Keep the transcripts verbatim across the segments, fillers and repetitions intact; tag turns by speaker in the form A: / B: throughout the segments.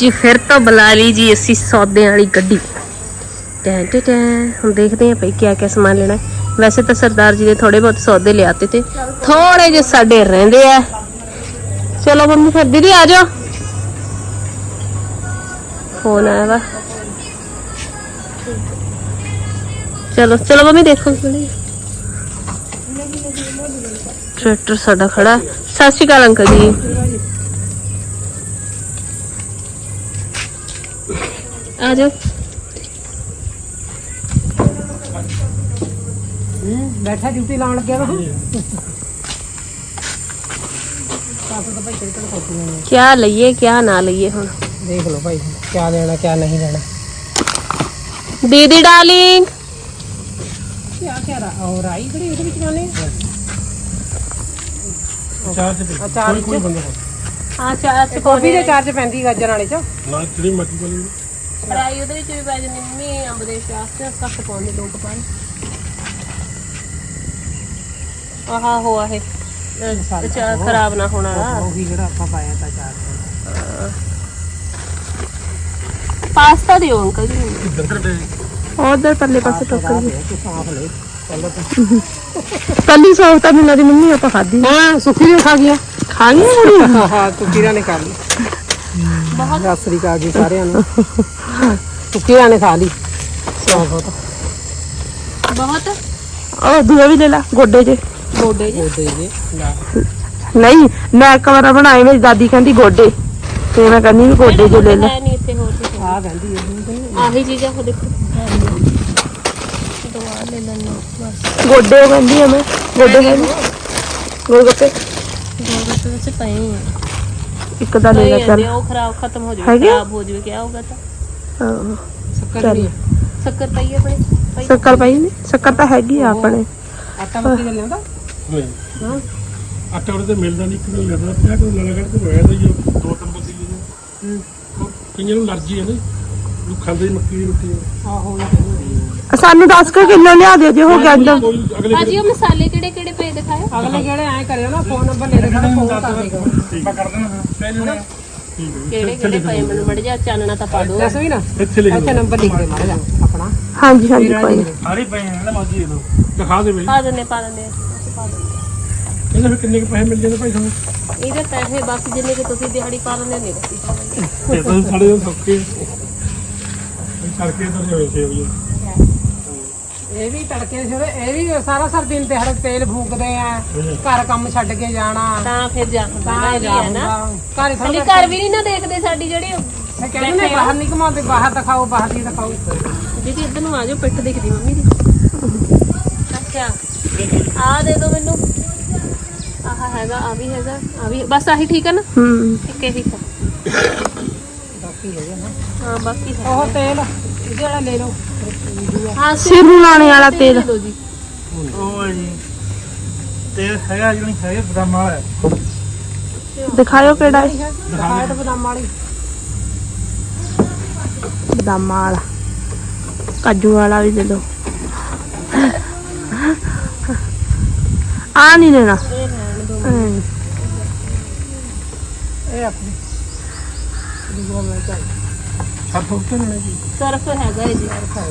A: जी फिर तो बुला ली जी असी सौदे वाली गड्डी। टैं टैं टैं हम देखते हैं भाई क्या क्या सामान लेना है। वैसे तो सरदार जी ने थोड़े बहुत सौदे ले आते थे, थोड़े जे साडे रहिंदे आ। चलो मम्मी फिर दीदी आ जाओ, फोन आया वा। चलो चलो मम्मी देखो ट्रैक्टर साडा खड़ा। सत श्री अकाल अंकल जी। आ जाओ
B: बैठा ड्यूटी लाने लगे ना।
A: क्या लइए क्या ना लइए हुण
B: देख लो भाई क्या लेना क्या नहीं लेना।
A: दीदी डार्लिंग
B: क्या क्या रहा और आई खड़ी ਉਹਦੇ ਵਿੱਚ ਖਾਣੇ ਚਾਰਜ ਤੇ ਕੋਈ ਕੋਈ ਬੰਦਾ
A: ਹਾਂ ਚਾਰਜ
B: ਕਾਫੀ ਦੇ ਚਾਰਜ ਪੈਂਦੀ ਗਾਜਰ ਵਾਲੇ ਚ
C: ਨਾ ਜਿਹੜੀ ਮੱਟੀ ਵਾਲੀ
A: ਫਰਾਈ ਉਹਦੇ ਵਿੱਚ ਵੀ ਪੈ ਜਾਂਦੀ ਮੰਮੀ ਅੰਬ ਦੇ ਚਾਸ ਤੇ ਕੱਟ ਪਾਉਂਦੇ ਦੋ ਕਪਾਂ ਆਹਾ ਹੋਆ ਹੈ ਚਾਰ ਖਰਾਬ ਨਾ ਹੋਣਾ
B: ਉਹੀ ਜਿਹੜਾ ਆਪਾਂ ਪਾਇਆ ਤਾਂ ਚਾਰਜ
A: ਪਾਸਤਾ ਦਿਓ ਅੰਕਲ ਜੀ
C: ਇੱਧਰ ਤੇ
A: ਉਧਰ ਪਰਲੇ ਪਾਸੇ ਟੋਕਰ ਜੀ
B: ਸਾਫ ਲੈ
A: ਕੱਲੀ ਸੌਫ ਤਾਂ ਮਿਲਣਾ ਦੀ ਮੰਮੀ ਆਪਾਂ ਖਾਦੀ
B: ਹਾਂ ਸੁੱਕੀ ਵੀ ਖਾ ਗਿਆ
A: ਖਾ ਗਈ ਕੁੜੀ
B: ਹਾਂ ਸੁੱਕੀਆਂ ਨੇ ਖਾ ਲਈ ਬਹੁਤ ਆਸਰੀ ਕਾ ਗਈ ਸਾਰਿਆਂ ਨੂੰ ਸੁੱਕੀਆਂ ਨੇ ਖਾ ਲਈ ਬਹੁਤ
A: ਬਹੁਤ ਉਹ ਦੂਆ ਵੀ ਲੈ ਲਾ ਗੋਡੇ ਜੇ ਗੋਡੇ ਜੇ
B: ਗੋਡੇ ਜੇ
A: ਨਹੀਂ ਮੈਂ ਇੱਕ ਵਾਰ ਬਣਾਏ ਮੇਰੀ ਦਾਦੀ ਕਹਿੰਦੀ ਗੋਡੇ ਤੇ ਮੈਂ ਕਹਿੰਦੀ ਵੀ ਗੋਡੇ ਜੇ ਲੈ ਲੈ
B: ਨਹੀਂ ਇੱਥੇ ਹੋਰ ਕੁਝ ਆ ਕਹਿੰਦੀ
A: ਆਹੀ ਚੀਜ਼ਾਂ ਉਹ ਦੇਖੋ ਦਵਾ ਲੈ ਲੈਣਾ ਬਸ ਗੋਡੇ ਕਹਿੰਦੀ ਆ ਮੈਂ ਗੋਡੇ ਹੈ ਗੋਲ ਗੱਪੇ ਗੋਲ ਗੱਪੇ ਵਿੱਚ ਪਏ ਆ ਇੱਕ ਦਾ ਲੈ ਲੈ ਚੱਲ ਉਹ ਖਰਾਬ ਖਤਮ ਹੋ ਜਾਵੇ ਖਰਾਬ ਹੋ ਜਾਵੇ ਕੀ ਹੋਊਗਾ ਤਾਂ ਹਾਂ
B: ਸ਼ੱਕਰ ਵੀ
A: ਸ਼ੱਕਰ ਪਈ ਆਪਣੇ ਸ਼ੱਕਰ ਪਈ ਨਹੀਂ ਸ਼ੱਕਰ ਤਾਂ ਹੈਗੀ ਆ ਆਪਣੇ
B: ਆਟਾ ਮੱਕੀ ਦਾ ਲਿਆਂਦਾ
C: ਨਹੀਂ ਹਾਂ ਆਟਾ ਉਹਦੇ ਮਿਲਦਾ ਨਹੀਂ ਕਿਉਂ ਲੈਣਾ ਪਿਆ ਕੋਈ ਲੜਾ ਕੱਢ ਕੇ ਹੋਇਆ ਤਾਂ ਜੀ ਦੋ ਤਿੰਨ ਬੰਦੇ ਜੀ ਹੂੰ ਕਿੰਨੇ ਨੂੰ ਅਲਰਜੀ ਹੈ ਨਾ ਉਹ ਖਾਂਦੇ ਮੱਕੀ ਦੀ ਰੋਟੀ
B: ਆਹੋ
A: ਸਾਨੂੰ ਦਸ ਕਿਲੋ ਲਿਆ ਦਿਓ ਜੇ ਹੋ ਗਿਆ ਅੰਦਰ
C: ਭਾਜੀ
A: ਉਹ ਮਸਾਲੇ ਕਿਹੜੇ ਕਿਹੜੇ ਪਏ ਦਿਖਾਓ
B: ਅਗਲੇ ਕਿਹੜੇ ਐ ਕਰਿਓ ਨਾ ਫੋਨ ਨੰਬਰ ਲੈ ਕੇ ਫੋਨ ਕਰ ਦੇਗਾ
C: ਠੀਕ ਆ ਕਰ ਦੇਣਾ
A: ਕਿਹੜੇ ਕਿਹੜੇ ਪਏ ਮੈਨੂੰ ਮੜ ਜਾ ਚਾਨਣਾ ਤਾਂ ਪਾ ਦੋ
B: ਦੱਸ ਵੀ ਨਾ
C: ਇੱਥੇ ਲਿਖ
B: ਇੱਥੇ ਨੰਬਰ ਲਿਖ ਦੇ ਮਾੜਾ ਜਾ ਆਪਣਾ
A: ਹਾਂਜੀ ਹਾਂਜੀ ਕੋਈ
C: ਸਾਰੇ ਪਏ ਹਨ ਨਾ ਮਾਜੀ ਇਹਨੂੰ ਦਿਖਾ ਦੇ ਬਈ
A: ਪਾ ਦਿੰਦੇ ਪਾ ਦਿੰਦੇ ਪਾ ਦਿੰਦੇ
C: ਇਹਦੇ ਫਿਰ ਕਿੰਨੇ ਕੁ ਪੈਸੇ ਮਿਲ ਜਾਂਦੇ ਭਾਈ ਤੁਹਾਨੂੰ
A: ਇਹਦੇ ਪੈਸੇ ਬਸ ਜਿੰਨੇ ਕਿ ਤੁਸੀਂ ਦਿਹਾੜੀ ਪਾ ਲੈਂਦੇ ਨਹੀਂ ਦੱਸੀ
C: ਇਹ ਤਾਂ ਸਾਡੇ ਸੌਕੇ ਕਰਕੇ ਤਾਂ ਹੋਏ ਸੇ ਹੋਈ
B: ਇਹ ਵੀ ਤੜਕੇ ਸਿਰੇ ਇਹ ਵੀ ਸਾਰਾ ਸਰ ਦਿਨ ਤੇ ਹਰ ਤੇਲ ਫੂਕਦੇ ਆ ਘਰ ਕੰਮ ਛੱਡ ਕੇ ਜਾਣਾ
A: ਤਾਂ ਫਿਰ ਜਾ
B: ਤਾਂ
A: ਹੈ ਨਾ
B: ਘਰ
A: ਸਾਡੀ ਘਰ ਵੀ ਨਹੀਂ ਨਾ ਦੇਖਦੇ ਸਾਡੀ ਜਿਹੜੀ
B: ਮੈਂ ਕਹਿੰਦੀ ਨੇ ਬਾਹਰ ਨਹੀਂ ਘਮਾਉਂਦੇ ਬਾਹਰ ਦਿਖਾਓ ਬਾਹਰ ਦੀ ਦਿਖਾਓ
A: ਦੀਦੀ ਇੱਧਰ ਨੂੰ ਆ ਜਾਓ ਪਿੱਠ ਦਿਖਦੀ ਮੰਮੀ ਦੀ ਅੱਛਾ ਆ ਦੇ ਦੋ ਮੈਨੂੰ ਆਹ ਹੈਗਾ ਆ ਵੀ ਹੈਗਾ ਆ ਵੀ ਬਸ ਆਹੀ ਠੀਕ ਹੈ ਨਾ ਹੂੰ ਇੱਕ ਇਹੀ ਤਾਂ
B: ਬਾਕੀ ਹੈਗਾ ਨਾ
A: ਹਾਂ ਬਾਕੀ ਹੈ
B: ਉਹ ਤੇਲ ਜਿਹੜਾ ਲੈ ਲਓ
A: ਹਾਂ ਸਿਰ ਨੂੰ ਲਾਣੇ ਵਾਲਾ ਤੇਲ ਦੋ ਜੀ
C: ਉਹ ਜੀ ਤੇਲ ਹੈਗਾ ਜਿਹੜੀ ਹੈਗੇ ਬਦਾਮਾਂ ਵਾਲਾ
A: ਦਿਖਾਓ ਕਿਹੜਾ ਹੈ
B: ਦਿਖਾਓ ਤਾਂ ਬਦਾਮ ਵਾਲੀ
A: ਬਦਾਮਾਂ ਵਾਲਾ ਕਾਜੂ ਵਾਲਾ ਵੀ ਦੇ ਦੋ ਆ ਨਹੀਂ ਲੈਣਾ
B: ਇਹ ਆਪਣੀ ਦੁਗੋ ਮੈਂ ਚਾਹੀ
C: ਸਭ ਉੱਤੇ ਲੈਣੇ ਜੀ
A: ਸਰਫ ਹੈਗਾ ਜੀ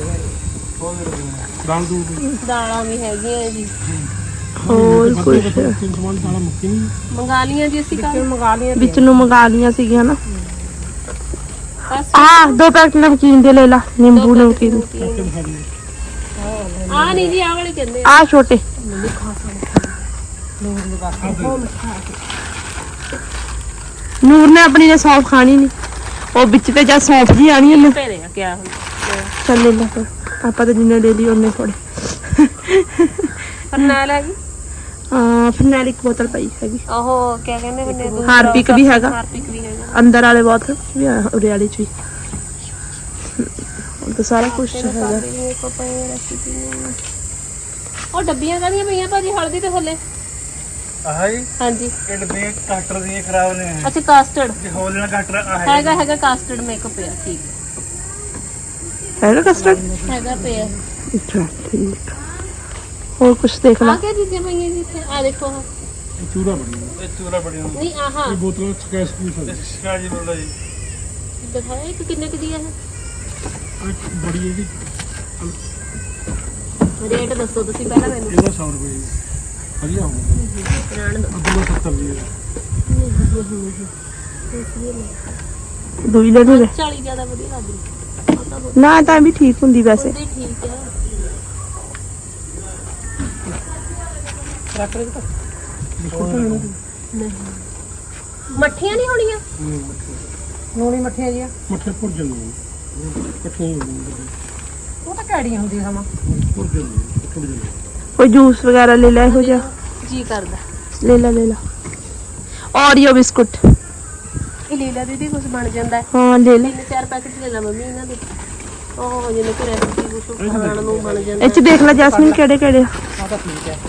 C: ਦਾਲ ਦੂਰ
A: ਦਾਲਾਂ ਵੀ ਹੈਗੀਆਂ ਜੀ
C: ਹੋਰ ਕੁਝ ਤਿੰਨ ਸਮਾਨ ਦਾਲਾਂ ਮੁੱਕੀ ਨਹੀਂ
A: ਮੰਗਾ ਲੀਆਂ ਜੀ ਅਸੀਂ ਕੱਲ
B: ਮੰਗਾ ਲਈਏ
A: ਵਿੱਚ ਨੂੰ ਮੰਗਾ ਲੀਆਂ ਸੀਗੀਆਂ ਨਾ ਆ ਦੋ ਪੈਕਟ ਨਮਕੀਨ ਦੇ ਲੈ ਲਾ ਨਿੰਬੂ ਨਮਕੀਨ ਆ ਨਹੀਂ ਜੀ ਆ ਵਾਲੇ ਕਹਿੰਦੇ ਆ ਛੋਟੇ ਨੂਰ ਨੇ ਆਪਣੀ ਨੇ ਸੌਂਫ ਖਾਣੀ ਨਹੀਂ ਉਹ ਵਿੱਚ ਤੇ ਜਾਂ ਸੌਂਫ ਜੀ ਆਣੀ ਉਹਨੇ ਭੇਰੇ ਆ ਕਿਆ ਚੱਲ ਲੈ ਲੈ ਆਪਾਂ ਤਾਂ ਜਿੰਨੇ ਲੈ ਲਈ ਉਹਨੇ ਥੋੜੇ ਫਰਨੈਲ ਹੈਗੀ ਹਾਂ ਫਰਨੈਲ ਇੱਕ ਬੋਤਲ ਪਈ ਹੈਗੀ ਉਹ ਕਿਆ ਕਹਿੰਦੇ ਹੁੰਦੇ ਹਾਰਪਿਕ ਵੀ ਹੈਗਾ ਹਾਰਪਿਕ ਵੀ ਹੈਗਾ ਅੰਦਰ ਵਾਲੇ ਬੋਤਲ ਵੀ ਉਰੇ ਵਾਲੇ ਚ ਵੀ ਹੁਣ ਤਾਂ ਸਾਰਾ ਕੁਝ ਹੈਗਾ ਉਹ ਡੱਬੀਆਂ ਕਾਹਦੀਆਂ ਪਈਆਂ ਭਾਜੀ ਹਲਦੀ ਤੇ ਥੱਲੇ
C: ਆਹ ਜੀ
A: ਹਾਂਜੀ
C: ਇਹ ਡੱਬੇ ਕਾਸਟਰ ਦੀਆਂ ਖਰਾਬ ਨੇ
A: ਅੱਛਾ ਕਾਸਟਰਡ
C: ਜੇ ਹੋਲ ਨਾਲ ਕਾਸਟਰ ਆ
A: ਹੈਗਾ ਹੈਗਾ ਕਾਸਟਰਡ ਮੇਕਅਪ ਪਿਆ ਠੀਕ ਹੈਗਾ ਕਾਸਟਰਡ ਹੈਗਾ ਪਿਆ ਅੱਛਾ ਠੀਕ ਹੋਰ ਕੁਝ ਦੇਖ ਲਾ ਆ ਕੀ ਚੀਜ਼ਾਂ ਪਈਆਂ ਜੀ ਇੱਥੇ ਆ ਦੇਖੋ
C: ਚੂਰਾ ਬਣੀ ਇਹ ਚੂਰਾ ਬਣੀ
A: ਨਹੀਂ ਆਹਾ
C: ਇਹ ਬੋਤਲ ਸਕੈਚ ਪੀਸ ਹੈ ਸਕੈਚ ਬੋਲਦਾ ਜੀ
A: ਦਿਖਾਇਆ ਇੱਕ ਕਿੰਨੇ ਕੁ ਦੀ ਹੈ
C: ਆਹ ਬੜੀ ਇਹਦੀ
A: ਇਹ ਰੇਟ ਦੱਸੋ ਤੁਸੀਂ ਪਹਿਲਾਂ ਮੈਨੂੰ
C: ਇਹਦਾ ਸੌ ਰੁਪਏ ਜੀ। ਵਧੀਆ ਹੋਊਗਾ
A: ਰਹਿਣ ਦਿਓ
C: ਅੱਧਾ ਸੱਤਰ ਦੀ ਹੈ
D: ਦੂਈ ਲੈ ਦੇ
A: ਚਾਲੀ ਜ਼ਿਆਦਾ ਵਧੀਆ ਲੱਗ ਰਹੀ ਉਹ ਤਾਂ ਬਹੁਤ
D: ਨਾ ਤਾਂ ਵੀ ਠੀਕ ਹੁੰਦੀ ਵੈਸੇ
A: ਹੁੰਦੀ ਠੀਕ ਹੈ
B: ਰੱਖ ਲੈ ਤਾਂ
A: ਨਹੀਂ ਮੱਠੀਆਂ ਨਹੀਂ ਹੋਣੀਆਂ
B: ਨੂਣੀ ਮੱਠੀਆਂ ਜੀਆਂ
C: ਮੱਠੇ ਭੁੱਜ ਜਾਂਦੇ ਇਕੱਠੀਆਂ ਹੀ ਹੁੰਦੀਆਂ
B: ਉਹ ਤਾਂ ਕੈੜੀਆਂ ਹੁੰਦੀਆਂ ਸਮਾਂ
C: ਭੁੱਜ ਜਾਂਦੇ ਟੁੱਟ ਜਾਂਦੇ
D: ਕੋਈ ਜੂਸ ਵਗੈਰਾ ਲੈ ਲੈ ਇਹੋ ਜਿਹਾ
A: ਜੀ ਕਰਦਾ
D: ਲੈ ਲੈ ਲੈ ਲਾ ਔਰੀਓ ਬਿਸਕੁਟ
A: ਇਹ ਲੈ ਲੈ ਦੀਦੀ ਕੁਝ ਬਣ ਜਾਂਦਾ ਹੈ
D: ਹਾਂ ਲੈ ਲੈ
A: ਤਿੰਨ ਚਾਰ ਪੈਕਟ ਲੈ ਲਾ ਮੰਮੀ ਇਹਨਾਂ ਦੇ ਉਹ ਜਿਵੇਂ ਕਿ ਰੈਸਿਪੀ ਕੁਝ ਖਾਣ ਨੂੰ ਬਣ ਜਾਂਦਾ
D: ਇਹ ਚ ਦੇਖ ਲੈ ਜੈਸਮੀਨ ਕਿਹੜੇ ਕਿਹੜੇ
B: ਆ ਤਾਂ ਠੀਕ ਹੈ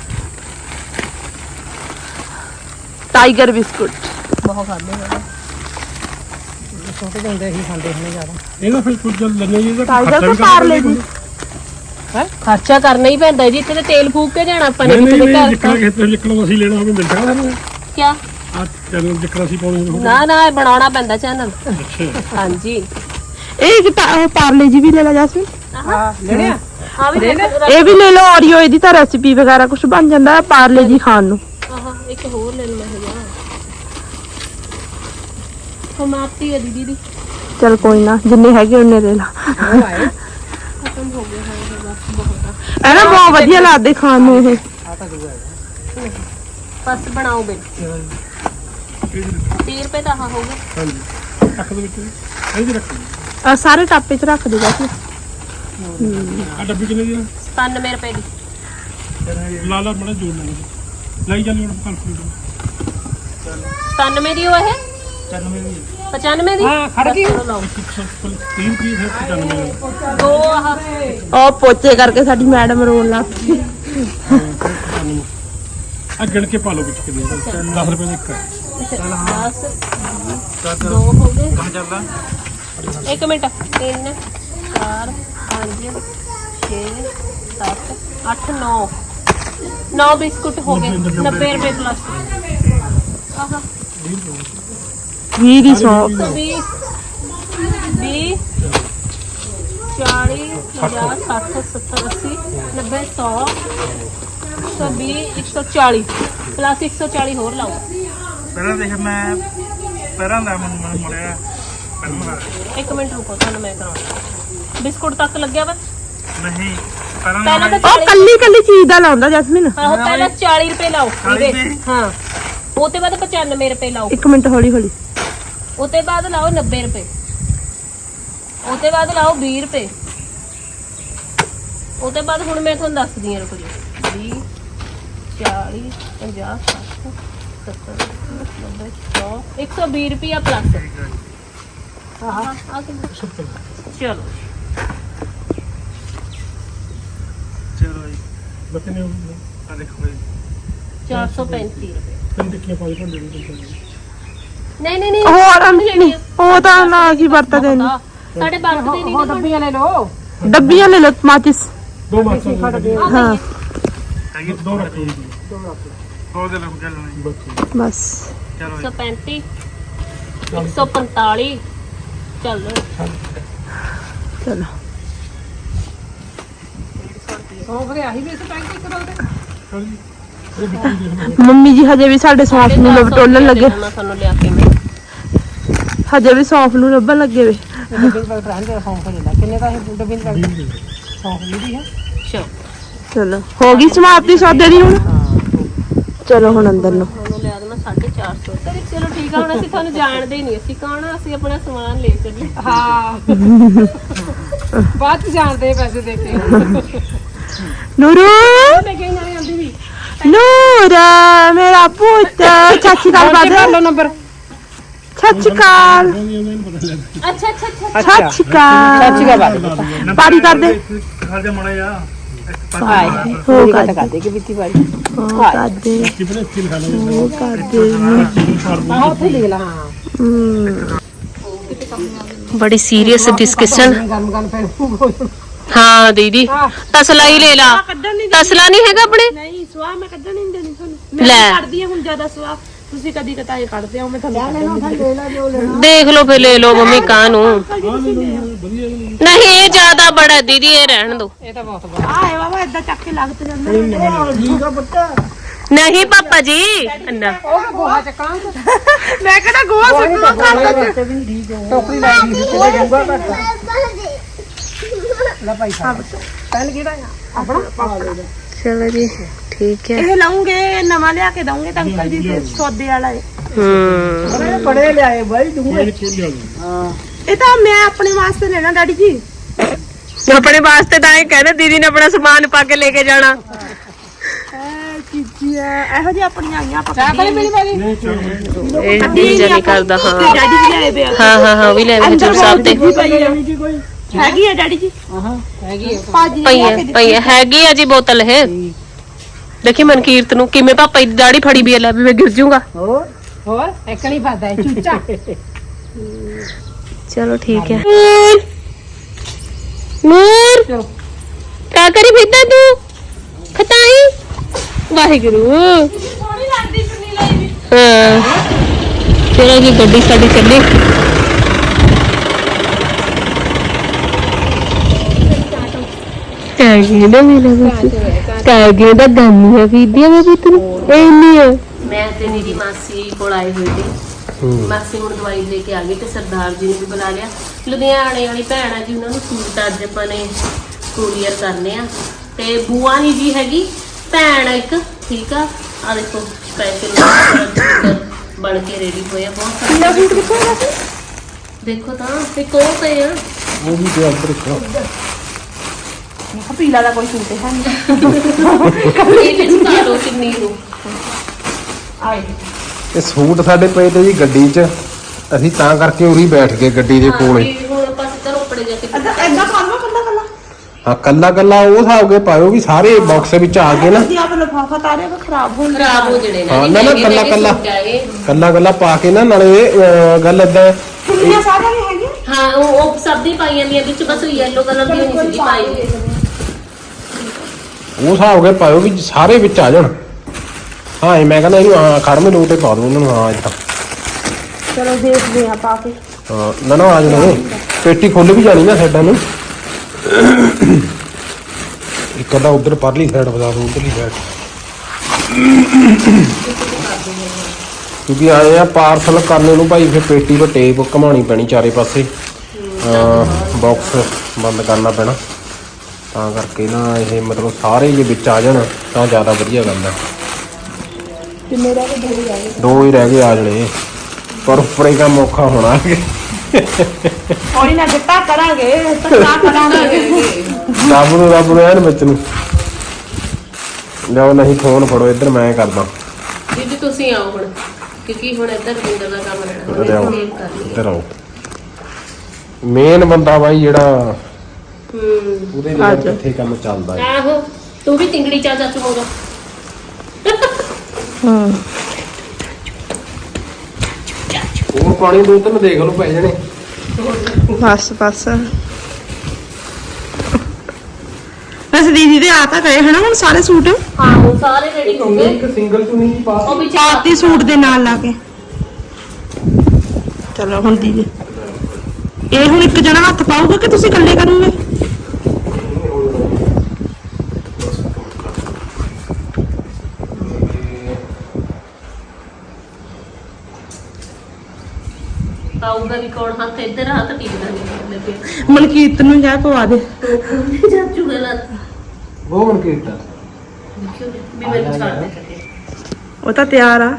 D: ਟਾਈਗਰ ਬਿਸਕੁਟ
A: ਬਹੁਤ ਖਾਂਦੇ ਨੇ
B: ਛੋਟੇ ਜਿਹੇ ਹੁੰਦੇ ਹੀ ਖਾਂਦੇ ਹੁੰਦੇ ਜ਼ਿਆਦਾ
C: ਇਹਦਾ ਫਿਰ ਕੁਝ ਲੈਣੇ ਜੀ ਇਹਦਾ
D: ਟਾਈਗਰ
C: ਖਰਚਾ
D: ਤੋਂ
C: ਵੀ
D: ਪਾਰਲੇ
C: ਕਰਨਾ
D: ਜੀ
B: ਹੈ
A: ਖਰਚਾ ਕਰਨਾ ਹੀ ਪੈਂਦਾ ਜੀ ਇੱਥੇ ਤੇ ਤੇਲ ਫੂਕ ਕੇ ਜਾਣਾ ਆਪਾਂ ਨੇ
C: ਨਹੀਂ
A: ਕਿਸੇ ਦੇ
C: ਨਹੀਂ
A: ਘਰ
C: ਜਿੱਕਣਾ ਖੇਤਾਂ ਜਿੱਕਣਾ ਅਸੀਂ ਲੈਣਾ ਹੋਵੇ ਮਿਲ ਸਕਦਾ ਸਾਨੂੰ
A: ਕਿਆ
C: ਆ ਚੈਨਲ ਜਿੱਕਣਾ ਅਸੀਂ ਪਾਉਣੇ ਹੋਵੇ
A: ਨਾ ਨਾ ਇਹ ਬਣਾਉਣਾ ਪੈਂਦਾ ਚੈਨਲ
C: ਅੱਛਾ
A: ਹਾਂਜੀ
D: ਇਹ ਇੱਕ ਟਾ- ਪਾਰਲੇ ਜੀ ਵੀ ਲੈ ਲੈ ਜੈਸਮੀਨ
B: ਹਾਂ ਲੈਣੇ ਆ
A: ਆ ਵੀ ਦੇਖੋ
D: ਇਹ ਵੀ ਲੈ ਲਓ ਔਰੀਓ ਇਹਦੀ ਤਾਂ ਰੈਸਿਪੀ ਵਗੈਰਾ ਕੁਝ ਬਣ ਜਾਂਦਾ ਹੈ ਪਾਰਲੇ ਜੀ ਖਾਣ ਨੂੰ
A: ਆਹ ਇੱਕ ਹੋਰ ਲੈ ਲਵਾਂ ਹੈਗਾ ਹਮਾਤੀ ਹੈ ਦੀਦੀ ਦੀ
D: ਚਲ ਕੋਈ ਨਾ ਜਿੰਨੇ ਹੈਗੇ ਉਹਨੇ ਲੈ ਲਾ
B: ਉਹ ਆਏ
A: ਖਤਮ ਹੋ ਗਿਆ ਹੈ ਬਸ ਬਹੁਤ ਆ
D: ਇਹ ਨਾ ਬਹੁਤ ਵਧੀਆ ਲੱਗਦੇ ਖਾਣ ਨੂੰ ਇਹ
B: ਆ ਤਾਂ ਦੂਆ ਹੈ
A: ਬਸ ਬਣਾਓ ਬੇ ਤੀਹ ਰੁਪਏ ਦਾ ਆਹ ਹੋਊਗਾ
C: ਹਾਂਜੀ ਰੱਖ ਦੇ ਵਿੱਚ ਇਹ ਜੀ ਰੱਖ
D: ਆਹ ਸਾਰੇ ਟਾਪੇ 'ਚ ਰੱਖ ਦੇ ਜੈਸਮੀਨ
C: ਆ ਡੱਬੀ ਕਿੰਨੇ ਦੀ ਆ
A: ਸਤਾਨਵੇਂ ਰੁਪਏ ਦੀ
C: ਲਾ ਲਾ ਬੜਾ ਜੋੜ ਲੈਣੇ ਲਈ ਜਾਂਦੇ ਹੁਣ ਕੈਲਕੂਲੇਟਰ
A: ਸਤਾਨਵੇਂ ਦੀ ਉਹ ਹੈ ਪਚਾਨਵੇਂ ਦੀ
B: ਹਾਂ, ਖੜ ਗਈ।
A: ਚਲੋ ਲਾਓ
C: ਇੱਕ ਸੌ ਤੀਹ ਰੁਪਏ ਫਿਰ ਪਚਾਨਵੇਂ
A: ਦੋ ਆਹ
D: ਉਹ ਪੋਚੇ ਕਰਕੇ ਸਾਡੀ ਮੈਡਮ ਰੋਣ ਲੱਗ ਪਈ
C: ਆ ਗਿਣ ਕੇ ਪਾ ਲਓ ਵਿੱਚ ਕਿੰਨੇ ਦਸ ਰੁਪਏ ਦਾ ਇੱਕ ਹੈ
A: ਦਸ ਦੋ ਹੋ ਗਏ ਇੱਕ ਮਿੰਟ ਤਿੰਨ ਚਾਰ ਪੰਜ ਛੇ ਸੱਤ ਅੱਠ ਨੌ ਨੌ ਬਿਸਕੁਟ ਹੋ ਗਏ ਨੱਬੇ ਰੁਪਏ ਪਲੱਸ ਆਹ
D: ਵੀਹ ਦੀ ਸੌ
A: ਵੀਹ ਵੀਹ ਚਾਲੀ ਪੰਜਾਹ ਸੱਠ ਸੱਤਰ ਅੱਸੀ ਨੱਬੇ ਸੌ ਸੌ ਵੀਹ ਇੱਕ ਸੌ ਚਾਲੀ ਪਲੱਸ ਇੱਕ ਸੌ ਚਾਲੀ ਹੋਰ ਲਾਓ
E: ਪਹਿਲਾਂ ਦੇਖ ਮੈਂ ਪਹਿਲਾਂ ਦਾ ਮੈਨੂੰ ਮੈਨੂੰ ਮਿਲਿਆ ਪਹਿਲਾਂ ਦਾ
A: ਇੱਕ ਮਿੰਟ ਰੁਕੋ ਤੁਹਾਨੂੰ ਮੈਂ ਕਰਾਉਣਾ ਬਿਸਕੁਟ ਤੱਕ ਲੱਗਿਆ ਵਾ
E: ਨਹੀਂ ਪਹਿਲਾਂ
A: ਪਹਿਲਾਂ ਤਾਂ
D: ਉਹ
A: ਚਾਲੀ
D: ਕੱਲੀ ਕੱਲੀ ਚੀਜ਼ ਦਾ ਲਾਉਂਦਾ ਜੈਸਮੀਨ
A: ਆਹੋ ਪਹਿਲਾਂ ਚਾਲੀ ਰੁਪਏ ਲਾਓ
E: ਚਾਲੀ
A: ਇਹਦੇ
E: ਰੁਪਏ?
A: ਹਾਂ ਉਹ ਤੇ ਬਾਅਦ ਪਚਾਨਵੇਂ ਰੁਪਏ ਲਾਓ
D: ਇੱਕ ਮਿੰਟ ਹੌਲੀ ਹੌਲੀ
A: ਉਹ ਤੇ ਬਾਅਦ ਲਾਓ ਨੱਬੇ ਰੁਪਏ ਉਹ ਤੇ ਬਾਅਦ ਲਾਓ ਵੀਹ ਰੁਪਏ ਉਹ ਤੇ ਬਾਅਦ ਹੁਣ ਮੈਂ ਤੁਹਾਨੂੰ ਦੱਸਦੀ ਹਾਂ ਰੁਕੋ ਜੀ ਵੀਹ ਚਾਲੀ ਪੰਜਾਹ ਸੱਠ ਸੱਤਰ ਨੱਬੇ ਸੌ ਇੱਕ ਸੌ ਵੀਹ ਰੁਪਏ ਪਲੱਸ ਆਹ ਆ ਕਿੰਨਾ ਚਲੋ
E: ਚਲੋ ਜੀ
C: ਬੱਕੇ ਨੇ
E: ਆ ਦੇਖੋ ਜੀ
A: ਚਾਰ ਸੌ ਪੈਂਤੀ ਰੁਪਏ
C: ਤਿੰਨ ਟਿੱਕੀਆਂ ਪਾ ਕੇ ਤੁਹਾਡੇ ਨੂੰ ਦਿੱਤਾ
A: ਨਹੀਂ ਨਹੀਂ ਨਹੀਂ
D: ਹੋਰ ਨਹੀਂ ਉਹ ਤਾਂ ਨਾ ਕੀ ਵਰਤਦੇ ਨੇ
A: ਸਾਡੇ ਵਰਤਦੇ ਨਹੀਂ
B: ਉਹ ਡੱਬੀਆਂ ਲੈ ਲਓ
D: ਡੱਬੀਆਂ ਲੈ ਲਓ ਮਾਚਿਸ
C: ਦੋ ਮਾਸਾਂ
D: ਹਾਂ
E: ਹੈਗੀ
C: ਦੋ ਰੱਖ ਲਓ ਜੀ
E: ਦੋ ਦੇ ਲੋਕ ਚੱਲਣਾ ਜੀ
C: ਬੱਚੇ
D: ਬਸ
E: ਚਲੋ
A: ਇੱਕ
E: ਜੀ
A: ਸੌ ਪੈਂਤੀ ਇੱਕ ਸੌ ਪੰਤਾਲੀ ਚੱਲ
D: ਚਲੋ
B: ਸੌਂਫ ਦੇ ਆਹੀ ਵੀ ਇਸ ਟਾਈਮ ਤੇ ਕਰੋ ਤੇ
C: ਚਲ ਜੀ ਇਹ ਬਿੱਟੀ ਦੇਖ ਲਓ
D: ਮੰਮੀ ਜੀ ਹਜੇ ਵੀ ਸਾਡੇ ਸੌਂਫ ਨੂੰ ਲੱਭ ਟੋਲਣ ਲੱਗੇ
A: ਮੈਂ ਤੁਹਾਨੂੰ ਲਿਆ ਕੇ ਮੈਂ
D: ਹਜੇ ਵੀ ਸੌਂਫ ਨੂੰ ਲੱਭਣ ਲੱਗੇ ਵੇ
B: ਡੱਬੀ ਦੇ ਬਾਅਦ ਰਹਿਣ ਦੇ ਸੌਂਫ ਲੈ ਲੈ ਕਿੰਨੇ ਦਾ ਇਹ ਡੱਬੀ ਦਾ ਸੌਂਫ ਨਹੀਂ ਹੈ
A: ਚਲੋ
D: ਚਲੋ ਹੋ ਗਈ ਸਮਾਪਤੀ ਸੌਦੇ ਦੀ ਹੁਣ ਚਲੋ ਹੁਣ ਅੰਦਰ ਨੂੰ
A: ਤੁਹਾਨੂੰ ਲਿਆ ਦੇਣਾ ਸਾਢੇ ਚਾਰ ਸੌ ਤੇ ਚਲੋ ਠੀਕ ਆ ਹੁਣ ਅਸੀਂ ਤੁਹਾਨੂੰ ਜਾਣਦੇ ਹੀ ਨਹੀਂ ਅਸੀਂ ਕੌਣ ਆ ਅਸੀਂ ਆਪਣਾ ਸਮਾਨ ਲੈ ਚੱਲੇ
B: ਹਾਂ ਬਾਅਦ ਚ ਜਾਣਦੇ ਪੈਸੇ ਦੇ ਕੇ
D: ਨੂਰੂ
A: ਮੈਂ ਕਹੀ ਨਾਲੇ ਆਂਦੀ ਵੀ
D: ਨੂਰਾ ਮੇਰਾ ਪੁੱਤ ਚਾਚੀ ਦਾ
B: ਕਰ
D: ਬਾਦ
B: ਲਓ ਨੰਬਰ
D: ਚਾਚੀ ਕਾਲ
C: ਇਹਨੂੰ ਪਤਾ ਲੱਗ
A: ਅੱਛਾ ਅੱਛਾ ਅੱਛਾ
D: ਚਾਚੀ ਕਾਲ
B: ਚਾਚੀ ਦਾ ਬਾਤ
D: ਪਾਰੀ ਕਰ ਦੇ
E: ਖੜ ਜਾ ਮੜਾ ਜਾ
B: ਹਾਏ
D: ਹੋ
B: ਗੱਲ
D: ਕਰ
B: ਕਰਦੇ ਕਿ ਬਿੱਤੀ ਵਾਲੀ
D: ਹੋ ਕਰ ਦੇ
C: ਕਿਪਨੇ ਸਕਿਲ ਖਾ ਲਓ
D: ਹੋ ਕਰ ਦੇ
B: ਆਹ ਉੱਥੇ ਲਿਖ ਲਾ ਹਾਂ
D: ਹਮ,
A: ਬੜੀ ਸੀਰੀਅਸ ਡਿਸਕਸ਼ਨ
B: ਗਰਮ ਗਰਮ ਪੈਣ
A: ਹਾਂ ਦੀਦੀ ਤਸਲਾ ਹੀ ਲੈ ਲਾ ਤਸਲਾ ਨਹੀਂ ਹੈਗਾ ਆਪਣੇ
D: ਨਹੀਂ ਸਵਾਹ ਮੈਂ ਕੱਢਣ ਨਹੀਂ ਦੇਣੀ ਤੁਹਾਨੂੰ
A: ਲੈ
D: ਕਰਦੀ ਹਾਂ ਹੁਣ ਜ਼ਿਆਦਾ ਸਵਾਹ ਤੁਸੀਂ ਕਦੀ ਕਤਾਏ ਕੱਢਦੇ ਹੋ ਮੈਂ ਤੁਹਾਨੂੰ
A: ਦੇਖ ਲਓ ਫਿਰ ਲੈ ਲਓ ਮੰਮੀ ਕਾਹ ਨੂੰ
C: ਵਧੀਆ
A: ਨਹੀਂ ਇਹ ਜ਼ਿਆਦਾ ਬੜਾ ਦੀਦੀ ਇਹ ਰਹਿਣ ਦੋ
B: ਇਹ ਤਾਂ ਬਹੁਤ ਬੜਾ
D: ਆਏ ਬਾਬਾ ਇਦਾਂ ਚੱਕ ਕੇ ਲੱਗ ਤੇ ਜਾਂਦਾ
A: ਨਹੀਂ ਪਾਪਾ ਜੀ ਅੰਨਾ
B: ਉਹ ਗੋਹਾ ਚੱਕਾਂ
D: ਮੈਂ ਕਿਹੜਾ ਗੋਹਾ ਸੁੱਟਣਾ ਕਰ
B: ਟੋਕਰੀ ਲਾਈ ਦੀ ਕਿਤੇ ਜਾਊਗਾ ਘੱਟ ਲੈ ਭਾਈ ਸਾਹਿਬ ਪਹਿਲ ਕਿਹੜਾ ਆ ਆਪਣਾ ਪਾ ਲੈ
A: ਚਲੋ ਜੀ ਠੀਕ ਹੈ
D: ਇਹ ਲਾਉਂਗੇ ਨਵਾਂ ਲਿਆ ਕੇ ਦਊਂਗੇ ਤਾਂ ਅੰਕਲ ਜੀ ਤੇ ਸੌਦੇ ਵਾਲਾ ਹੈ
A: ਹੂੰ
B: ਬੜੇ ਬੜੇ ਲਿਆਏ ਬਾਈ ਦੂੰਗੇ
C: ਹਾਂ
D: ਇਹ ਤਾਂ ਮੈਂ ਆਪਣੇ ਵਾਸਤੇ ਲੈਣਾ ਡੈਡੀ ਜੀ
A: ਆਪਣੇ ਵਾਸਤੇ ਤਾਂ ਇਹ ਕਹਿੰਦੇ ਦੀਦੀ ਨੇ ਆਪਣਾ ਸਮਾਨ ਪਾ ਕੇ ਲੈ ਕੇ ਜਾਣਾ
D: ਐ ਚੀਜ਼ੀਆਂ ਇਹੋ ਜਿਹੀ ਆਪਣੀਆਂ ਆਈਆਂ ਆਪਾਂ
B: ਚਾਹ ਪਾਣੀ ਮੇਰੀ ਵਾਰੀ
A: ਇਹ ਦੀਦੀ ਨਹੀਂ ਕਰਦਾ ਹਾਂ
D: ਡੈਡੀ ਜੀ ਲਿਆਏ ਪਿਆ
A: ਹਾਂ ਹਾਂ ਹਾਂ ਉਹ ਵੀ ਲੈ ਆਵੇ ਹਜੂਰ ਸਾਹਿਬ ਤੇ
D: ਹੈਗੀ ਆ ਡੈਡੀ ਜੀ
B: ਹਾਂ ਹੈਗੀ ਆ
D: ਭਾਜੀ ਨੇ
A: ਪਈ
D: ਲਿਆ
A: ਹੈ
D: ਕੇ ਦਿੱਤੀ
A: ਪਈ ਹੈ ਹੈਗੀ ਆ ਜੀ ਬੋਤਲ ਇਹ ਦੇਖੀ ਮਨਕੀਰਤ ਨੂੰ ਕਿਵੇਂ ਪਾਪਾ ਦੀ ਦਾੜੀ ਫੜੀ ਵੀ ਹੈ ਲੈ ਵੀ ਮੈਂ ਗਿਰ ਜਾਊਂਗਾ
B: ਹੋਰ ਹੋਰ ਇੱਕ ਨਹੀਂ ਫਾਦਾ ਹੈ ਚੂਚਾ
A: ਚਲੋ ਠੀਕ ਹੈ ਨੂਰ
B: ਚਲੋ
A: ਕਿਆ ਕਰੀ ਫਿਰਦਾ ਤੂੰ ਖਤਾਈ ਵਾਹਿਗੁਰੂ
D: ਸੋਹਣੀ ਲੱਗਦੀ ਚੁੰਨੀ ਲਈ ਵੀ
A: ਹਾਂ ਚਲੋ ਜੀ ਗੱਡੀ ਸਾਡੀ ਚੱਲੀ ਕਾਗੇ ਦਾ ਮੇਰਾ ਬੱਚਾ ਕਾਗੇ ਦਾ ਗਾਨੀਆਂ ਵੀਡੀਓ ਮੈਂ ਵੀ ਤੈਨੂੰ ਇਹ ਨਹੀਂ ਹੈ ਮੈਂ ਤੇ ਮੇਰੀ ਮਾਸੀ ਕੋਲ ਆਏ ਹੋਏ ਸੀ ਮਾਸੀ ਹੁਣ ਦਵਾਈ ਲੈ ਕੇ ਆ ਗਈ ਤੇ ਸਰਦਾਰ ਜੀ ਨੂੰ ਵੀ ਬੁਲਾ ਲਿਆ ਲੁਧਿਆਣੇ ਵਾਲੀ ਭੈਣ ਆ ਜੀ ਉਹਨਾਂ ਨੂੰ ਸੂਟ ਅੱਜ ਆਪਾਂ ਨੇ ਕੁਰੀਅਰ ਕਰਨੇ ਆ ਤੇ ਬੂਆ ਨਹੀਂ ਜੀ ਹੈਗੀ ਭੈਣ ਇੱਕ ਠੀਕ ਆ ਆ ਦੇਖੋ ਸਪੈਸ਼ਲ ਬਣ ਕੇ ਰੈਡੀ ਹੋਇਆ ਬਹੁਤ ਸਾਰਾ ਸੂਟ ਕਿੱਥੋਂ ਆਇਆ ਸੀ ਦੇਖੋ ਤਾਂ ਤੇ ਕੋਲ ਤੇ ਆ
C: ਉਹ ਵੀ ਤੇ ਅੰਦਰ ਰੱਖੋ
D: ਪੀਲਾ ਦਾ ਕੋਈ ਸੂਟ ਹੈ ਨਹੀਂ
A: ਇਹ ਵਿੱਚ ਪਾ ਲਓ ਕਿੰਨੀ ਨੂੰ
D: ਆਏ
F: ਇਹ ਸੂਟ ਸਾਡੇ ਪਏ ਤੇ ਜੀ ਗੱਡੀ 'ਚ ਅਸੀਂ ਤਾਂ ਕਰਕੇ ਉਰੀ ਬੈਠ ਗਏ ਗੱਡੀ ਦੇ ਕੋਲੇ
A: ਹਾਂ ਹੁਣ ਆਪਾਂ ਸਿੱਧਾ ਰੋਪੜੇ ਜਾ ਕੇ
D: ਅੱਧਾ ਐਦਾਂ ਕਰ ਲਓ ਕੱਲਾ ਕੱਲਾ
F: ਹਾਂ ਕੱਲਾ ਕੱਲਾ ਉਹ ਹਿਸਾਬ ਕੇ ਪਾਇਓ ਵੀ ਸਾਰੇ ਬਾਕਸ ਵਿੱਚ ਆ ਗਏ ਨਾ
D: ਜੀ ਆਪ ਲਫਾਫਾ ਤਾਰੇ ਕੋ ਖਰਾਬ ਹੋ
A: ਖਰਾਬ ਹੋ ਜਣੇ
F: ਹਾਂ ਨਾ ਨਾ ਕੱਲਾ ਕੱਲਾ ਕੱਲਾ ਕੱਲਾ ਪਾ ਕੇ ਨਾ ਨਾਲੇ ਅਹ, ਗੱਲ ਏਦਾਂ
D: ਕੁੜੀਆਂ ਸਾਰੀਆਂ ਵੀ ਹੈਗੀਆਂ
A: ਹਾਂ ਉਹ ਉਹ ਸਭ ਦੀ ਪਾਈ ਜਾਂਦੀ ਹੈ ਵਿੱਚ ਬਸ ਯੈਲੋ ਕਲਰ ਦੀ ਨਹੀਂ ਸੀ ਪਾਈ ਹੋਈ।
F: ਉਹ ਹਿਸਾਬ ਕੇ ਪਾਇਓ ਵੀ ਸਾਰੇ ਵਿੱਚ ਆ ਜਾਣ ਹਾਂ ਇਹ ਮੈਂ ਕਹਿੰਦਾ ਇਹਨੂੰ ਹਾਂ ਖੜਮੇ ਲੋਟ ਤੇ ਪਾ ਦੋ ਇਹਨਾਂ ਨੂੰ ਹਾਂ ਏਦਾਂ
D: ਚਲੋ ਦੇਖਦੇ ਆ ਪਾ ਕੇ
F: ਹਾਂ ਨਾ ਨਾ ਆ ਜਾਣਾ ਪੇਟੀ ਖੁੱਲ ਵੀ ਜਾਣੀ ਨਾ ਸਾਈਡਾਂ ਨੂੰ ਇੱਕ ਅੱਧਾ ਉਧਰ ਪਰਲੀ ਸਾਈਡ ਬਤਾ ਦੋ ਉਧਰਲੀ ਸਾਈਡ ਕਿਉਂਕਿ ਆਏ ਆ ਪਾਰਸਲ ਕਰਨੇ ਨੂੰ ਭਾਈ ਫਿਰ ਪੇਟੀ ਤੋਂ ਟੇਪ ਘਮਾਉਣੀ ਪੈਣੀ ਚਾਰੇ ਪਾਸੇ ਬਾਕਸ ਬੰਦ ਕਰਨਾ ਪੈਣਾ ਤਾਂ ਕਰਕੇ ਨਾ ਇਹ ਮਤਲਬ ਸਾਰੇ ਜੇ ਵਿੱਚ ਆ ਜਾਣ ਤਾਂ ਜ਼ਿਆਦਾ ਵਧੀਆ ਗੱਲ ਹੈ
D: ਕਿੰਨੇ ਰਹਿ ਗਏ ਦੋ ਰਹਿ ਗਏ
F: ਦੋ ਹੀ ਰਹਿ ਗਏ ਆ ਜਣੇ ਪਰ ਉੱਪਰ ਹੀ ਕੰਮ ਔਖਾ ਹੋਣਾ
D: ਕੋਈ ਨਾ ਦਿੱਤਾ ਕਰਾਂਗੇ ਤਾਂ ਕਰਾਂਗੇ
F: ਰੱਬ ਨੂੰ ਰੱਬ ਨੂੰ ਐਨ ਵਿੱਚ ਨੂੰ ਲਿਆਓ ਨਹੀਂ ਫੋਨ ਫੜੋ ਇੱਧਰ ਮੈਂ ਕਰਦਾ
A: ਦੀਦੀ ਤੁਸੀਂ ਆਓ ਹੁਣ ਕਿਉਂਕਿ ਹੁਣ ਇੱਧਰ ਬਿੰਦਰ ਦਾ ਕੰਮ
F: ਲਿਆਓ
A: ਰਹਿਣਾ ਮੇਨ ਕਰ ਲਈ
F: ਇੱਧਰ ਆਓ ਮੇਨ ਬੰਦਾ ਬਾਈ ਜਿਹੜਾ
A: ਹੂੰ
F: ਉਹਦੇ ਨਾਲ ਕਿੱਥੇ ਕੰਮ ਚੱਲਦਾ ਹੈ
A: ਆਹੋ ਤੂੰ ਵੀ ਤਿੰਗੜੀ ਚਾ ਚਾਚੂ ਮੋਗਾ
F: ਹੋਰ ਪਾਣੀ ਦੋ ਤਿੰਨ ਦੇਖ ਲਓ ਪੈ ਜਾਣੇ
D: ਬਸ ਬਸ ਬਸ ਦੀਦੀ ਦੇ ਆ ਤਾਂ ਗਏ ਹਨਾ ਹੁਣ ਸਾਰੇ ਸੂਟ
A: ਆਹੋ ਸਾਰੇ ਰੈਡੀ ਹੋ ਗਏ
F: ਇੱਕ ਸਿੰਗਲ ਚੁਣੀ ਪਾ
A: ਉਹ ਵਿੱਚ
D: ਆਤੀ ਸੂਟ ਦੇ ਨਾਲ ਲਾ ਕੇ ਚਲੋ ਹੁਣ ਦੀਦੀ ਇਹ ਹੁਣ ਇੱਕ ਜਣਾ ਹੱਥ ਪਾਊਗਾ ਕਿ ਤੁਸੀਂ ਇਕੱਲੇ ਕਰੋਗੇ
A: ਆਊਗਾ ਵੀ ਕੌਣ ਹੱਥ ਇੱਧਰ ਹੱਥ ਟਿਕਦਾ ਨਹੀਂ ਲੱਗੇ
D: ਮਨਕੀਰਤ ਨੂੰ ਜਾ ਪਵਾ ਦੇ
A: ਚਾਚੂ ਗਲਤ
F: ਉਹ ਮਨ ਕੀਤਾ
A: ਦੇਖਿਓ ਵੀ ਮੈਨੂੰ ਛੱਡ ਦੇ ਕਦੇ
D: ਉਹ ਤਾਂ ਤਿਆਰ ਆ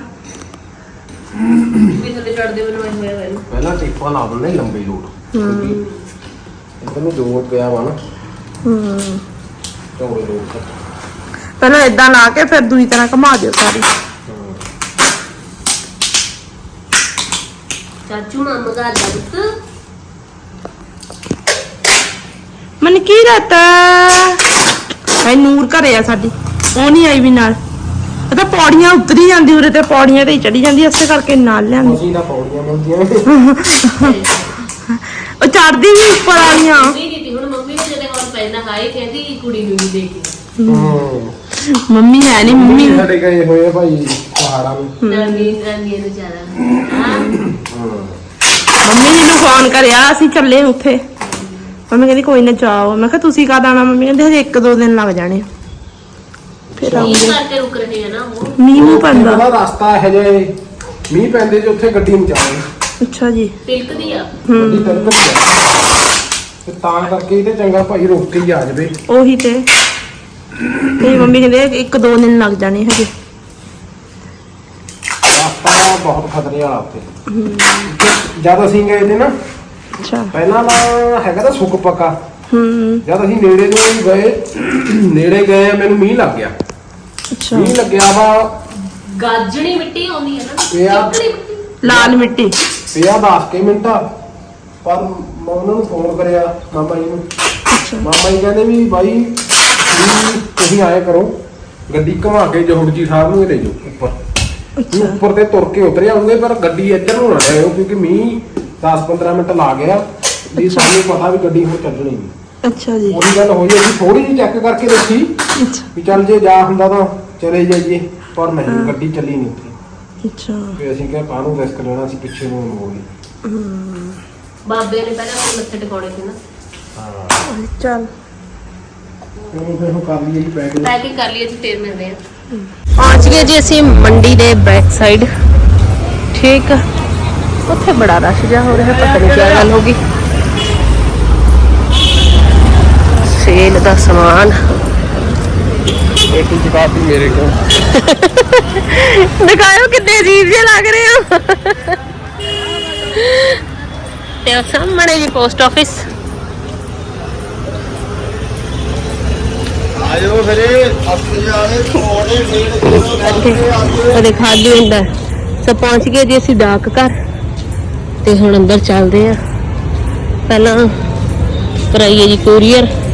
A: ਵੀ ਥੱਲੇ ਚੜਦੇ ਮੈਨੂੰ ਐ ਹੋਇਆ ਹੋਇਆ
F: ਪਹਿਲਾਂ ਟੇਪਾਂ ਲਾ ਦਿੰਦੇ ਲੰਬੇ ਲੋਟ ਇੱਧਰ ਨੂੰ ਜੋੜ ਪਿਆ ਵਾ ਨਾ
D: ਹੂੰ
F: ਚੌੜੇ ਲੋਟ
D: ਪਹਿਲਾਂ ਇਦਾਂ ਲਾ ਕੇ ਫਿਰ ਦੂਜੀ ਤਰ੍ਹਾਂ ਘੁਮਾ ਦਿਓ ਸਾਰੀ
A: ਚਾਚੂ ਨਾ ਮਗਾ ਲੱਤ
D: ਮਨਕੀਰਤ ਐ ਨੂਰ ਘਰੇ ਆ ਸਾਡੀ ਉਹ ਨਹੀਂ ਆਈ ਵੀ ਨਾਲ ਇਹ ਤਾਂ ਪੌੜੀਆਂ ਉਤਰੀ ਜਾਂਦੀ ਉਰੇ ਤੇ ਪੌੜੀਆਂ ਤੇ ਹੀ ਚੜੀ ਜਾਂਦੀ ਇਸੇ ਕਰਕੇ ਨਾਲ ਲਿਆਂਦੀ
F: ਅਸੀਂ ਤਾਂ ਪੌੜੀਆਂ ਮਿਲਦੀਆਂ ਨੇ
D: ਉਹ ਚੜਦੀ ਵੀ ਉੱਪਰ ਆਈਆਂ
A: ਮੰਮੀ ਦੀ ਤੀ ਹੁਣ ਮੰਮੀ ਨੇ ਜਦੋਂ ਹੋਰ ਪੈਣਾ ਹਾਏ ਕਹਿੰਦੀ ਕੁੜੀ ਨੂੰ ਨਹੀਂ ਦੇਖੀ
F: ਹੂੰ
D: ਮੰਮੀ ਹੈ ਨਹੀਂ ਮੰਮੀ
F: ਸਾਡੇ ਗਏ ਹੋਏ ਆ ਭਾਈ ਪਹਾੜਾਂ ਨੂੰ
A: ਨਾਨੀ ਨਾਨੀ ਨੂੰ ਜ਼ਿਆਦਾ ਹਾਂ
D: ਮੰਮੀ ਨੇ ਨੂੰ ਫੋਨ ਕਰਿਆ ਅਸੀਂ ਚੱਲੇ ਉੱਥੇ ਮੰਮੀ ਕਹਿੰਦੀ ਕੋਈ ਨਾ ਜਾਓ ਮੈਂ ਕਿਹਾ ਤੁਸੀਂ ਕਦ ਆਉਣਾ ਮੰਮੀ ਕਹਿੰਦੇ ਹਜੇ ਇੱਕ ਦੋ ਦਿਨ ਲੱਗ ਜਾਣੇ ਫਿਰ
A: ਇਹ
D: ਆਉਂਗੇ
A: ਕਰਕੇ ਰੁਕ ਰਹੇ ਆ ਨਾ ਉਹ
D: ਮੀਂਹ ਨੂੰ ਪੈਂਦਾ
F: ਉਹਦਾ ਰਸਤਾ ਇਹੋ ਜਿਹਾ ਏ, ਮੀਂਹ ਪੈਂਦੇ ਜੇ ਉੱਥੇ ਗੱਡੀ ਨਹੀਂ ਚੱਲਦੀ,
D: ਅੱਛਾ ਜੀ
A: ਤਿਲਕਦੀ ਆ
F: ਗੱਡੀ ਤਿਲਕਦੀ ਆ ਤੇ ਤਾਂ ਕਰਕੇ ਇਹਦੇ ਚੰਗਾ ਭਾਈ ਰੁਕ ਕੇ ਹੀ ਆ ਜਾਵੇ।
D: ਉਹੀ ਤੇ ਤੇ ਮੰਮੀ ਕਹਿੰਦੇ ਇੱਕ ਦੋ ਦਿਨ ਲੱਗ ਜਾਣੇ ਹਜੇ
F: ਰਸਤਾ ਬਹੁਤ ਖਤਰੇ ਵਾਲਾ ਉੱਥੇ। ਜਦ ਅਸੀਂ ਗਏ ਤੇ ਨਾ
D: ਅੱਛਾ
F: ਪਹਿਲਾਂ ਤਾਂ ਹੈਗਾ ਤਾਂ ਸੁੱਕ ਪੱਕਾ,
D: ਹੂੰ
F: ਜਦ ਅਸੀਂ ਨੇੜੇ ਨੂੰ ਗਏ ਨੇੜੇ ਗਏ ਮੈਨੂੰ ਮੀਂਹ ਲੱਗ ਗਿਆ।
D: ਅੱਛਾ
F: ਮੀਂਹ ਲੱਗਿਆ ਵਾ
A: ਗਾਜਣੀ ਮਿੱਟੀ ਆਉਂਦੀ ਹੈ ਨਾ
F: ਪਿਆ
A: ਚਿੱਕੜੀ ਮਿੱਟੀ
D: ਲਾਲ ਮਿੱਟੀ
F: ਪਿਆ ਦਸ ਕੇ ਮਿੰਟ, ਪਰ ਮੈਂ ਉਹਨਾਂ ਨੂੰ ਫੋਨ ਕਰਿਆ ਮਾਮਾ ਜੀ ਨੂੰ, ਮਾਮਾ ਜੀ ਕਹਿੰਦੇ ਵੀ ਬਾਈ ਵੀ ਤੁਸੀਂ ਆਏ ਕਰੋ ਗੱਡੀ ਘੁਮਾ ਕੇ ਜੋੜ ਜੀ ਸਾਹਿਬ ਨੂੰ ਹੀ ਲੈ ਜਾਓ ਉੱਪਰ, ਵੀ ਉੱਪਰ ਤੇ ਤੁਰ ਕੇ ਉਤਰ ਜਾਓਗੇ ਪਰ ਗੱਡੀ ਇੱਧਰ ਨੂੰ ਨਾ ਲਿਆਓ ਕਿਉਂਕਿ ਮੀਂਹ ਦਸ ਪੰਦਰਾਂ ਮਿੰਟ ਲਾ ਗਿਆ ਵੀ ਸਾਨੂੰ ਪਤਾ ਵੀ ਗੱਡੀ ਹੁਣ ਚੱਲਣੀ ਨਹੀਂ।
D: ਅੱਛਾ ਜੀ
F: ਉਹੀ ਗੱਲ ਹੋਈ ਅਸੀਂ ਥੋੜੀ ਜਿਹੀ ਚੈੱਕ ਕਰਕੇ ਦੇਖੀ
D: ਅੱਛਾ
F: ਵੀ ਚੱਲ ਜੇ ਜਾ ਹੁੰਦਾ ਤਾਂ ਚਲੇ ਜਾਈਏ, ਪਰ ਨਹੀਂ ਗੱਡੀ ਚੱਲੀ ਨਹੀਂ ਉੱਥੇ।
D: ਅੱਛਾ
F: ਵੀ ਅਸੀਂ ਕਿਹਾ ਕਾਹਨੂੰ ਰਿਸਕ ਲੈਣਾ, ਅਸੀਂ ਪਿੱਛੇ ਨੂੰ ਮੋੜ ਲਈ।
A: ਬਾਬੇ ਨੇ ਪਹਿਲਾਂ ਆਪਣੇ ਮੱਥੇ ਟਿਕਾਉਣੇ ਸੀ ਨਾ
F: ਹਾਂ
D: ਚੱਲ
F: ਚਲੋ ਫਿਰ ਉਹ ਕਰ ਲਈਏ ਜੀ ਪੈਕ।
A: ਪੈਕਿੰਗ ਕਰ ਲਈ ਅਸੀਂ ਫੇਰ ਮਿਲਦੇ ਆ। ਪਹੁੰਚ ਗਏ ਜੀ ਅਸੀਂ ਮੰਡੀ ਦੇ ਬੈਕ ਸਾਈਡ। ਠੀਕ ਆ, ਉੱਥੇ ਬੜਾ ਰਸ਼ ਜਾ ਹੋ ਰਿਹਾ, ਪਤਾ ਨਹੀਂ ਕੀ ਗੱਲ ਹੋ ਗਈ। ਸੇਲ ਦਾ ਸਮਾਨ
F: ਇੱਕ ਚਕਾਤੀ ਮੇਰੇ ਕੋਲ
A: ਦਿਖਾਓ ਕਿੰਨੇ ਅਜੀਬ ਜਿਹੇ ਲੱਗ ਰਹੇ ਹੋ। ਤੇ ਉਹ ਸਾਹਮਣੇ ਜੀ ਪੋਸਟ ਆਫਿਸ।
G: ਆਇਓ ਫਿਰ ਆਪਣੇ ਆਲੇ ਥੋੜੇ
A: ਉਹ ਦਿਖਾ ਦਿਓ ਹੁੰਦਾ। ਸੋ ਪਹੁੰਚ ਗਏ ਜੀ ਅਸੀਂ ਡਾਕ ਘਰ ਤੇ ਹੁਣ ਅੰਦਰ ਚੱਲਦੇ ਆ। ਪਹਿਲਾਂ ਕਰਾਈਏ ਜੀ ਕੋਰੀਅਰ।